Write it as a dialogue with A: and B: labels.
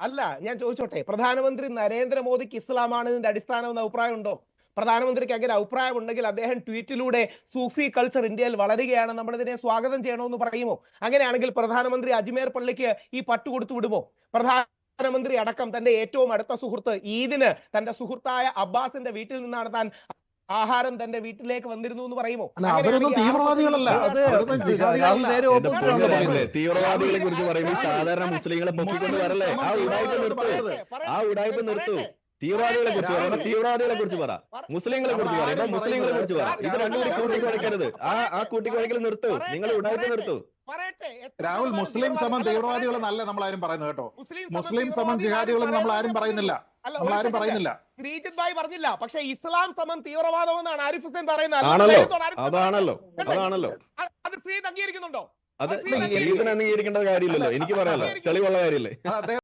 A: അല്ല, ഞാൻ ചോദിച്ചോട്ടെ, പ്രധാനമന്ത്രി നരേന്ദ്രമോദിക്ക് ഇസ്ലാമാണ് ഇതിന്റെ അടിസ്ഥാനം എന്ന അഭിപ്രായം ഉണ്ടോ? പ്രധാനമന്ത്രിക്ക് അങ്ങനെ അഭിപ്രായം ഉണ്ടെങ്കിൽ അദ്ദേഹം ട്വീറ്റിലൂടെ സൂഫി കൾച്ചർ ഇന്ത്യയിൽ വളരുകയാണ്, നമ്മളിതിനെ സ്വാഗതം ചെയ്യണമെന്ന് പറയുമോ? അങ്ങനെയാണെങ്കിൽ പ്രധാനമന്ത്രി അജ്മേർ പള്ളിക്ക് ഈ പട്ട് കൊടുത്തു വിടുമോ? പ്രധാനമന്ത്രി അടക്കം തന്റെ ഏറ്റവും അടുത്ത സുഹൃത്ത് ഈദിന് തന്റെ സുഹൃത്തായ അബ്ബാസിന്റെ വീട്ടിൽ നിന്നാണ് താൻ ആഹാരം തന്റെ വീട്ടിലേക്ക് വന്നിരുന്നു എന്ന് പറയുമോ?
B: അവരൊന്നും തീവ്രവാദികളല്ല.
C: തീവ്രവാദികളെ കുറിച്ച് പറയുമ്പോൾ സാധാരണ മുസ്ലിങ്ങളെ പൊക്കിക്കൊണ്ട് വരല്ലേ? ആ ഉടായ്പ നിർത്തൂ. തീവ്രവാദികളെ കുറിച്ച് പറയുമ്പോൾ തീവ്രവാദികളെ കുറിച്ച് പറ, മുസ്ലിങ്ങളെ കുറിച്ച് പറയുമ്പോൾ മുസ്ലിങ്ങളെ കുറിച്ച് പറ. ഇത് രണ്ടും കൂടി കൂട്ടിക്കുഴയ്ക്കരുത്. ആ കൂട്ടിക്കുഴയ്ക്കൽ നിർത്തൂ. നിങ്ങൾ ഉടായ്പ നിർത്തൂ.
B: രാഹുൽ, മുസ്ലിം സമം തീവ്രവാദികളെന്ന് അല്ല നമ്മൾ ആരും പറയുന്നത് കേട്ടോ. മുസ്ലിം സമം ജിഹാദികളെന്ന് നമ്മൾ ആരും പറയുന്നില്ല.
A: ശ്രീജിത് ഭായ് പറഞ്ഞില്ല, പക്ഷെ ഇസ്ലാം സമം തീവ്രവാദം എന്നാണ് ആരിഫ് ഹുസൈൻ പറയുന്നത്.
C: അതാണല്ലോ
A: അത് ശ്രീജിത്ത് അംഗീകരിക്കുന്നുണ്ടോ?
C: അത് ഇതിന് അംഗീകരിക്കേണ്ട കാര്യമില്ലല്ലോ. എനിക്ക് പറയാലോ, തെളിവുള്ള കാര്യമില്ലേ?